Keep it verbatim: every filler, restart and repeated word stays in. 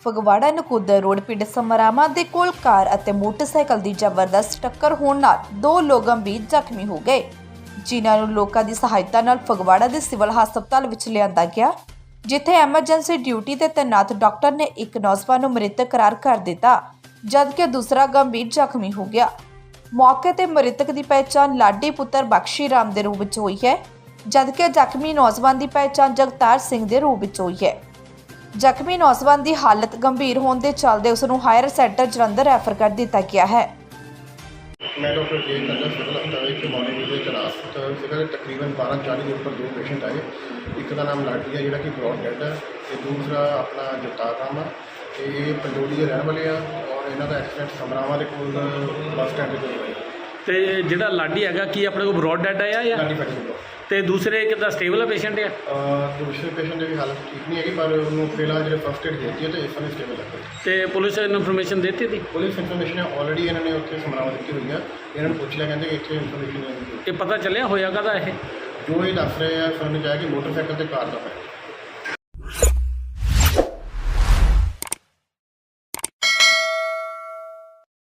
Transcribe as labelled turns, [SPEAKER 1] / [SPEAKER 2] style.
[SPEAKER 1] Phagwara Nakodar road ਪਿੰਡ ਸਮਰਾਵਾਂ ਦੇ ਕੋਲ ਕਾਰ ਅਤੇ ਮੋਟਰਸਾਈਕਲ ਦੀ ਜ਼ਬਰਦਸਤ ਟੱਕਰ ਹੋਣ ਨਾਲ ਦੋ ਲੋਕ ਗੰਭੀਰ ਜ਼ਖਮੀ ਹੋ ਗਏ, ਜਿਨ੍ਹਾਂ ਨੂੰ ਲੋਕਾਂ ਦੀ ਸਹਾਇਤਾ ਨਾਲ ਫਗਵਾੜਾ ਦੇ ਸਿਵਲ ਹਸਪਤਾਲ ਵਿੱਚ ਲਿਆਂਦਾ ਗਿਆ, ਜਿੱਥੇ ਐਮਰਜੈਂਸੀ ਡਿਊਟੀ ਤੇ ਤੈਨਾਤ ਡਾਕਟਰ ਨੇ ਇੱਕ ਨੌਜਵਾਨ ਨੂੰ ਮ੍ਰਿਤਕ ਕਰਾਰ ਕਰ ਦਿੱਤਾ, ਜਦਕਿ ਦੂਸਰਾ ਗੰਭੀਰ ਜ਼ਖਮੀ ਹੋ ਗਿਆ। ਮੌਕੇ ਤੇ ਮ੍ਰਿਤਕ ਦੀ ਪਹਿਚਾਣ ਲਾਡੀ ਪੁੱਤਰ ਬਖਸ਼ੀ ਰਾਮ ਦੇ ਰੂਪ ਵਿੱਚ ਹੋਈ ਹੈ, ਜਦਕਿ ਜ਼ਖਮੀ ਨੌਜਵਾਨ ਦੀ ਪਹਿਚਾਣ ਜਗਤਾਰ ਸਿੰਘ ਦੇ ਰੂਪ ਵਿੱਚ ਹੋਈ ਹੈ। ਜ਼ਖਮੀ ਨੌਜਵਾਨ ਦੀ ਹਾਲਤ ਗੰਭੀਰ ਹੋਣ ਦੇ ਚੱਲਦੇ ਉਸ ਨੂੰ ਹਾਇਰ ਸੈਂਟਰ ਜਲੰਧਰ ਰੈਫਰ ਕਰ ਦਿੱਤਾ ਗਿਆ ਹੈ।
[SPEAKER 2] मैं डॉक्टर जे कंजर सिविल हस्पताल के मॉर्निंग में तैनात सीगा तकरीबन बारह चालीस के उपर दो पेशेंट आए। एक का नाम लाडी है जिहड़ा कि ब्रॉड डेड है, ते दूसरा अपना जगतार राम है, ते ये पंडोली के रहने वाले हैं और इन्हों का एक्सीडेंट समरावां दे कोल बस स्टैंड के कोल होया।
[SPEAKER 3] ਤੇ ਜਿਹੜਾ ਲਾਡੀ ਹੈਗਾ ਕੀ ਆਪਣੇ ਕੋਲ ਬਰੋਡ ਡੈਡ ਆਇਆ ਜਾਂ
[SPEAKER 2] लाडी फैक्ट्री
[SPEAKER 3] ਤੇ ਦੂਸਰੇ ਕਿੱਦਾਂ ਸਟੇਬਲ ਆ ਪੇਸ਼ੈਂਟ ਆ?
[SPEAKER 2] दूसरे पेशेंट की हालत ठीक नहीं है, पर उन्होंने फिलहाल जो फर्स्ट एड देती है तो इस समय स्टेबल है।
[SPEAKER 3] ਤੇ ਪੁਲਿस ਨੂੰ ਇਨਫੋਰਮੇਸ਼ਨ ਦਿੱਤੀ ਸੀ?
[SPEAKER 2] पुलिस इन्फॉर्मेशन ऑलरेडी इन्होंने उत्थे समरावां दी हुई है, इन्होंने पूछ लिया, कहते कि इतने इन्फॉर्मेशन
[SPEAKER 3] ਇਹ ਪਤਾ ਚੱਲਿਆ ਹੋਇਆ ਕਾਹਦਾ ਇਹ?
[SPEAKER 2] जो ये दस रहे हैं सुनने जाए कि मोटरसाइकिल से कार का है।